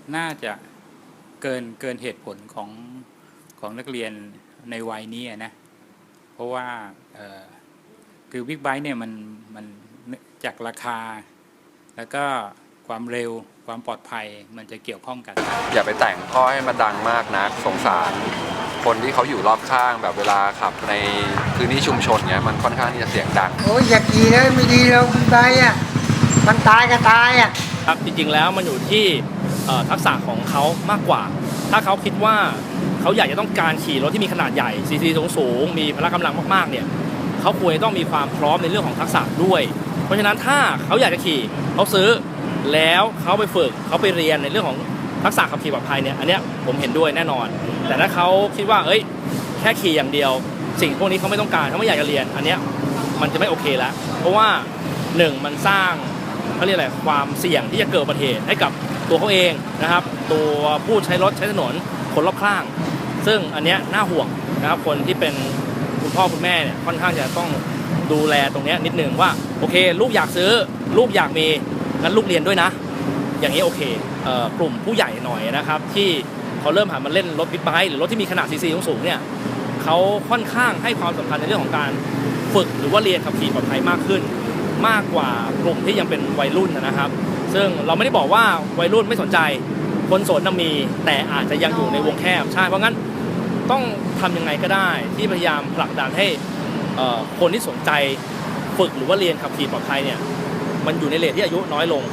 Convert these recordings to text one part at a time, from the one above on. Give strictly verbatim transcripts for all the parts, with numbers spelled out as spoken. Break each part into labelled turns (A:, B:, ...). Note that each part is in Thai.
A: น่าจะเกินเกินเหตุผลของของนักเรียนในวัยนี้นะเพราะว่าคือบิ๊กไบค์เนี่ยมันมันจากราคาแล้วก็ความเร็วความปลอดภัยมันจะเกี่ยวข้องกัน
B: อย่าไปแต่งข้อให้มันดังมากนะสงสารคนที่เขาอยู่รอบข้างแบบเวลาขับในพื้นที่ชุมชนเนี้ยมันค่อนข้างที่จะเสียงดัง
C: โอ้ยอย่าขี่เลยไม่ดีเราบิ๊กไบค์อ่ะมันตายก็ตายอ่ะ
D: ครับจริงๆแล้วมันอยู่ที่ทักษะของเขามากกว่าถ้าเขาคิดว่าเขาอยากจะต้องการขี่รถที่มีขนาดใหญ่ซีซีสูงๆมีพละกำลังมากๆเนี่ยเขาควรจะต้องมีความพร้อมในเรื่องของทักษะด้วยเพราะฉะนั้นถ้าเขาอยากจะขี่เขาซื้อแล้วเขาไปฝึกเขาไปเรียนในเรื่องของทักษะขับขี่ปลอดภัยเนี่ยอันเนี้ยผมเห็นด้วยแน่นอนแต่ถ้าเขาคิดว่าเอ้ยแค่ขี่อย่างเดียวสิ่งพวกนี้เขาไม่ต้องการเขาไม่อยากจะเรียนอันเนี้ยมันจะไม่โอเคแล้วเพราะว่าหนึ่งมันสร้างเขาเรียกอะไรความเสี่ยงที่จะเกิดอุบัติเหตุให้กับตัวเขาเองนะครับตัวผู้ใช้รถใช้ถนนคนรอบข้างซึ่งอันเนี้ยน่าห่วงนะครับคนที่เป็นคุณพ่อคุณแม่เนี่ยค่อนข้างจะต้องดูแลตรงนี้นิดนึงว่าโอเคลูกอยากซื้อลูกอยากมีงั้นลูกเรียนด้วยนะอย่างนี้โอเคเอ่อกลุ่มผู้ใหญ่หน่อยนะครับที่เขาเริ่มหันมาเล่นรถบิ๊กไบค์หรือรถที่มีขนาดซีซีสูงๆเนี่ยเขาค่อนข้างให้ความสำคัญในเรื่องของการฝึกหรือว่าเรียนขับขี่ปลอดภัยมากขึ้นมากกว่ากลุ่มที่ยังเป็นวัยรุ่นนะครับซึ่งเราไม่ได้บอกว่าวัยรุ่นไม่สนใจคนโสดน่ะมีแต่อาจจะยังอยู่ในวงแคบใช่เพราะงั้นต้องทำยังไงก็ได้ที่พยายามผลักดันให้คนที่สนใจฝึกหรือว่าเรียนขับขี่ปลอดภัยเนี่ยมันอยู่ในเรทที่อายุน้อยลง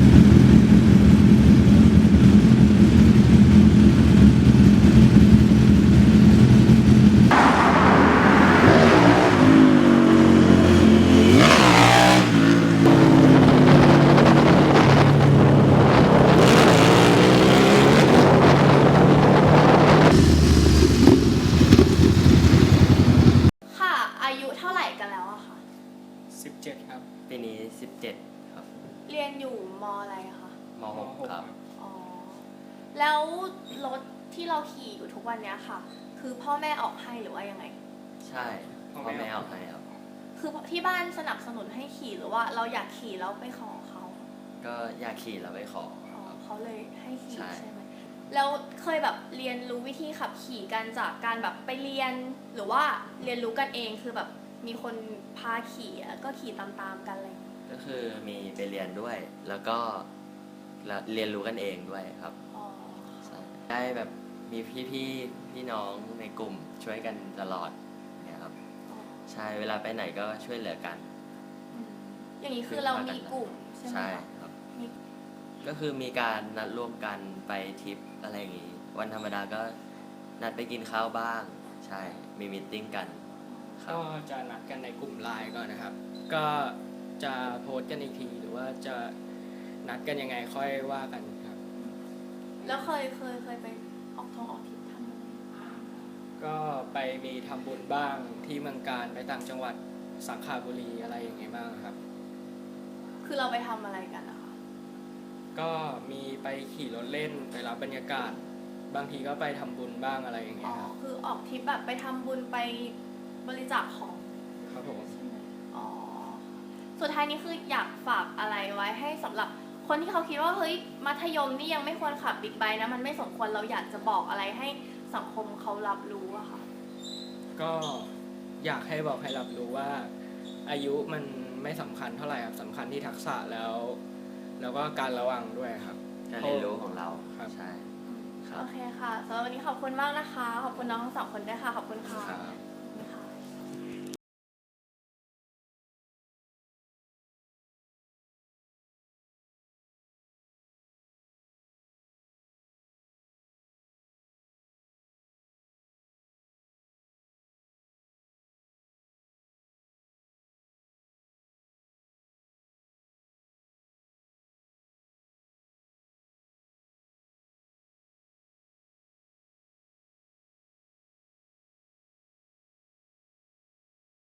E: สิบเจ็ดครับ
F: ปีนี้สิบเจ็ดครับ
G: เรียนอยู่ม.อะไรคะ
F: ม.หกครับ
G: อ๋อแล้วรถที่เราขี่อยู่ทุกวันนี้ค่ะคือพ่อแม่ออกให้หรือว่ายังไง
F: ใช่พ่อแม่ออกให้ครับ
G: คือที่บ้านสนับสนุนให้ขี่หรือว่าเราอยากขี่แล้วไปขอเขา
F: ก็อยากขี่แล้วไปขอ
G: อ๋อเขาเลยให้ขี่ใช่ไหมแล้วเคยแบบเรียนรู้วิธีขับขี่กันจากการแบบไปเรียนหรือว่าเรียนรู้กันเองคือแบบมีคนพาขี่แล้วก็ขี่ตามๆกันอะไร
F: ก็คือมีไปเรียนด้วยแล้วก็เรียนรู้กันเองด้วยครับได้แบบมีพี่พี่พี่น้องในกลุ่มช่วยกันตลอดเนี่ยครับใช่เวลาไปไหนก็ช่วยเหลือกัน
G: อย่างนี้คือเรามีกลุ่มใช่ไหม
F: ใช่ครับก็คือมีการนัดร่วมกันไปทริปอะไรอย่างงี้วันธรรมดาก็นัดไปกินข้าวบ้างใช่มีมีตติ้งกัน
E: ก็จะนัดกันในกลุ่มไลน์ก่อนนะครับก็จะโพสต์กันอีกทีหรือว่าจะนัดกันยังไงค่อยว่ากันครับ
G: แล้วเคยเคยเคยไปออกท้องออกทริปทำบุญ
E: ก็ไปมีทำบุญบ้างที่เมืองการไปต่างจังหวัดสังขบุรีอะไรอย่างเงี้ยบ้างครับ
G: คือเราไปทำอะไรกันนะคะ
E: ก็มีไปขี่รถเล่นไปรับบรรยากาศบางทีก็ไปทำบุญบ้างอะไรอย่างเงี้ยครับ
G: คือออกทริปแบบไปทำบุญไปบริจาคของ
E: ครับผม
G: ใช่ไหมอ๋อสุดท้ายนี้คืออยากฝากอะไรไว้ให้สำหรับคนที่เขาคิดว่าเฮ้ยมัธยมนี่ยังไม่ควรขับบิ๊กไบค์นะมันไม่สมควรเราอยากจะบอกอะไรให้สังคมเขารับรู้อะค่ะ
E: ก็อยากให้บอกให้รับรู้ว่าอายุมันไม่สำคัญเท่าไหร่ครับสำคัญที่ทักษะแล้วแล้วก็การระวังด้วยครับ
F: การเรียนรู้ของเรา
E: ครับ
F: ใช่
G: โอเคค่ะสำหรับวันนี้ขอบคุณมากนะคะขอบคุณน้องทั้งสองคนด้วยค่ะขอบคุณค่ะ